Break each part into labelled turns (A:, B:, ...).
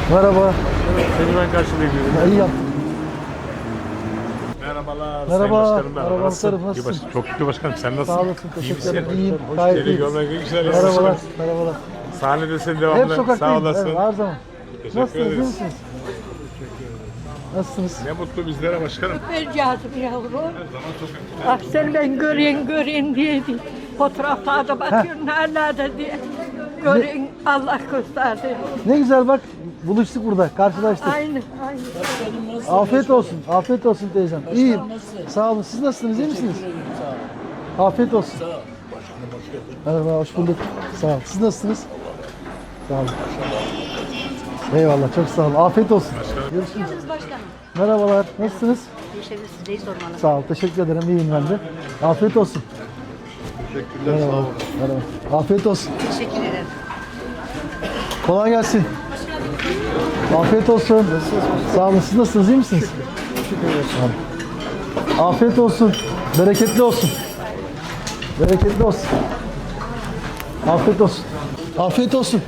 A: Merhaba.
B: Seni ben karşılayayım dedim.
A: Ya, iyi yaptın.
B: Merhabalar.
A: Merhaba.
B: Sayın Başkanım.
A: Merhaba
B: Nasılsın?
A: muhtarım, nasılsın?
B: Çok şükür başkanım. Sen nasılsın?
A: Sağ olasın.
B: İyi
A: Teşekkür ederim.
B: misin?
A: İyiyim.
B: Hoş
A: Gayet
B: geldin.
A: iyiyim.
B: Görmek ne güzel.
A: Merhabalar.
B: Nasılsın?
A: Merhabalar.
B: Sahnedesin
A: Hep
B: devamlı. Sağ
A: sokaktayım.
B: olasın.
A: Evet, her zaman.
B: Teşekkür
A: Nasılsınız? İyi
B: ederiz.
A: misiniz? Nasılsınız?
B: Ne mutlu bizlere başkanım.
C: Vereceğizim yavrum.
B: Her zaman sokakta.
C: Ah seni ben göreyim diyeydi. Fotoğraflarda bakıyorum nerelerde diye. Göreyim Allah gösterdi.
A: Ne güzel bak. Buluştuk burada. Karşılaştık.
C: Aynı.
A: Afiyet olsun. Afiyet olsun teyzem. İyiyim. Sağ olun. Siz nasılsınız? İyi misiniz? Afiyet olsun. Merhaba. Hoş bulduk. Sağ olun. Siz nasılsınız? Sağ olun. Eyvallah. Çok sağ olun. Afiyet olsun. Görüşürüz.
D: Başkanım.
A: Merhabalar. Nasılsınız?
D: Teşekkür sizdeyi sormalı.
A: Sağ ol. Teşekkür ederim. İyiyim ben de. Afiyet olsun.
B: Teşekkürler. Sağ olun.
A: Merhaba. Afiyet olsun.
D: Teşekkür ederim.
A: Kolay gelsin. Afiyet olsun. Sağ olun. Siz nasılsınız? İyi misiniz? Sağ olun. Afiyet olsun. Bereketli olsun. Bereketli olsun. Afiyet olsun. Afiyet olsun.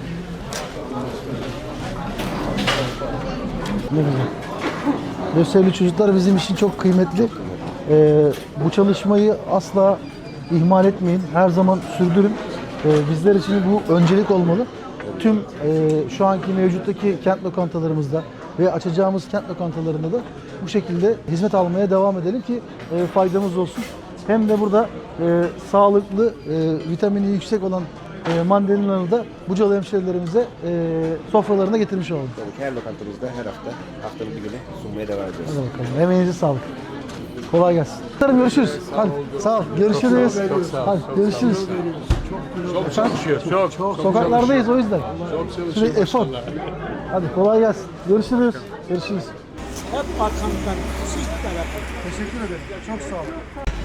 A: Ne güzel. Gösterili çocuklar bizim için çok kıymetli. Bu çalışmayı asla ihmal etmeyin. Her zaman sürdürün. Bizler için bu öncelik olmalı. Tüm şu anki mevcuttaki kent lokantalarımızda ve açacağımız kent lokantalarında da bu şekilde hizmet almaya devam edelim ki faydamız olsun. Hem de burada sağlıklı, vitamini yüksek olan mandalinaları da Bucalı hemşehrilerimize sofralarına getirmiş olalım.
E: Tabii ki her lokantamızda her hafta haftanın bir günü sunmaya devam ediyoruz.
A: Hadi bakalım. Emeğinize sağlık. Kolay gelsin. Görüşürüz. Hadi. Sağ ol. Görüşürüz. Hadi görüşürüz.
B: Çok çalışıyor. Çok.
A: Sokaklardayız o yüzden.
B: Çok çalışıyor.
A: Sürekli efor. Hadi kolay gelsin. Görüşürüz. Görüşürüz.
F: Hep arkamızdan siz tarafı.
A: Teşekkür ederim. Çok sağ olun.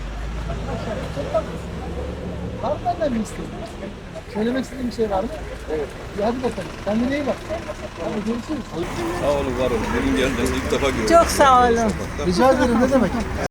A: Var mı benden bir isteğin? Söylemek istediğin bir şey var mı? Evet. Hadi bakalım. Kendine iyi bak. Hadi görüşürüz.
G: Sağ olun, var olun. Benim geldiğinizi ilk defa görüyorum.
C: Çok sağ olun.
A: Rica ederim. Ne demek?